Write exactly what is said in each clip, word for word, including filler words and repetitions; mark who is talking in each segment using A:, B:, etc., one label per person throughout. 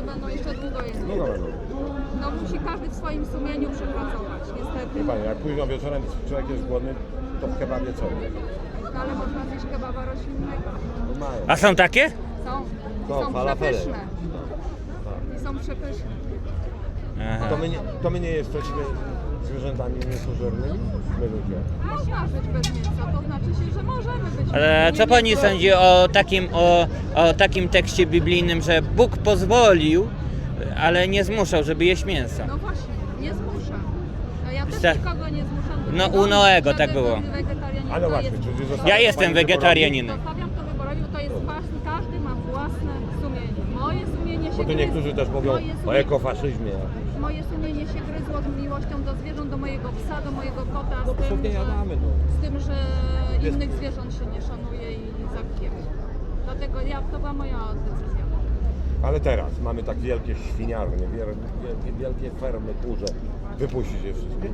A: będą jeszcze długo jeść.
B: No dobra, no.
A: No musi każdy w swoim sumieniu przepracować, niestety.
B: Wie pani, jak późno wieczorem człowiek jest głodny, to w kebabie co?
A: No, ale można zjeść kebaba roślinnego.
B: Mają.
C: A są takie?
A: Są. I
B: No,
A: są
B: falafele.
A: przepyszne.
B: Tak.
A: I są przepyszne.
C: Aha.
B: To my nie, to my nie jesteśmy zwierzętami mięsożernymi? My ludzie.
A: Można żyć bez mięsa, to znaczy się, że możemy być.
C: Ale co pani
A: mięsożerni.
C: sądzi o takim, o, o takim tekście biblijnym, że Bóg pozwolił, ale nie zmuszał, żeby jeść mięso?
A: No właśnie, nie zmuszam. No ja też
C: Sta-
A: nikogo nie zmuszam. do
C: No,
A: tego,
C: u Noego
A: żeby
C: tak było.
A: był wegetarianinem.
B: Ale
A: To
B: właśnie,
A: jest-
B: czyli została
C: Ja jestem
B: pani
C: wegetarianinem.
A: Zostawiam to wyborowi, bo to jest własne, każdy ma własne sumienie. Moje sumienie się
B: Bo tu
A: gryzło-
B: niektórzy też mówią
A: moje
B: o
A: sumienie-
B: ekofaszyzmie.
A: Moje sumienie się gryzło z miłością do zwierząt, do mojego psa, do mojego kota,
B: No
A: z, tym,
B: pewnie
A: że,
B: jadamy, no.
A: z tym, że innych zwierząt się nie szanuje i zabijemy. Dlatego ja, to była moja decyzja.
B: Ale teraz mamy tak wielkie świniarnie, wiel- wielkie, wielkie fermy kurze. Wypuścić je wszystkie?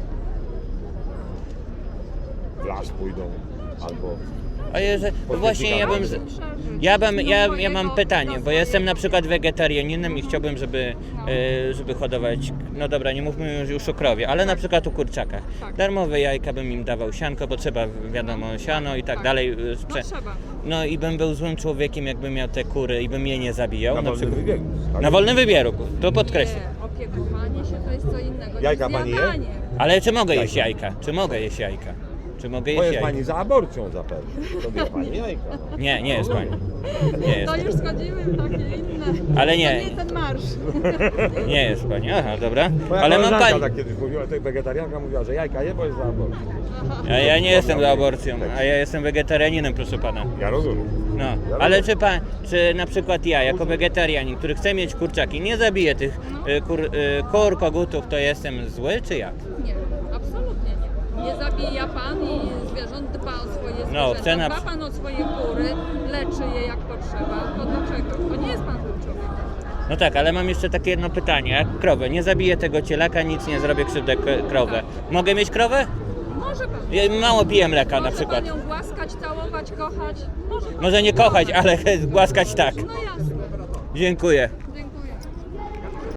B: W las pójdą albo...
C: A jeżeli, no właśnie ja bym, z- ja bym, ja, ja mam pytanie, bo jestem na przykład wegetarianinem i chciałbym, żeby, e, żeby hodować, no dobra, nie mówmy już, już o krowie, ale na przykład o kurczakach.
A: Tak.
C: Darmowe jajka bym im dawał, sianko, bo trzeba, wiadomo, siano i tak
A: Tak.
C: dalej. e,
A: No
C: Sprze-
A: trzeba.
C: no i bym był złym człowiekiem, jakbym miał te kury i bym je nie zabijał.
B: Na wolnym
C: przykład,
B: wybiegu. tak?
C: na wolnym wybieru, to podkreślę.
A: Nie, opiekowanie się to jest co innego.
B: Jajka
A: niż
B: pani je?
A: zjadanie.
C: Ale czy mogę jeść jajka? Czy mogę jeść jajka? Czy mogę
B: Bo
C: jeść
B: jest
C: jajka?
B: pani za aborcją zapewne. To wie pani jajka. No.
C: Nie, nie jest pani. Nie jest.
A: To już schodzimy w takie inne.
C: Ale nie.
A: To nie ten marsz.
C: Nie jest pani, aha, dobra.
B: Moja
C: Ale mam
B: koleżanka
C: pani.
B: tak kiedyś mówiła, tej wegetarianka mówiła, że jajka je, bo jest za aborcją.
C: A ja nie jestem za aborcją, a ja jestem wegetarianinem, proszę pana.
B: Ja rozumiem.
C: No, ale czy pan, czy na przykład ja, jako wegetarianin, który chce mieć kurczaki, nie zabiję tych y, kur, y, kur, kogutów, to jestem zły, czy jak?
A: Nie, absolutnie nie. Nie zabija pan i zwierząt, dba o swoje zwierzęta.
C: No, chcę na-
A: Dba pan o swoje kury, leczy je jak potrzeba. To dlaczego? To nie jest pan złym człowiekiem.
C: No tak, ale mam jeszcze takie jedno pytanie, jak krowę, nie zabiję tego cielaka, nic nie zrobię krzywdę k- krowę. Mogę mieć krowę?
A: Może pan.
C: Ja mało piję mleka na
A: Może
C: przykład.
A: pan ją głaskać, całować, kochać. Może pan.
C: Może nie kochać, ale głaskać tak.
A: No jasne.
C: Dziękuję.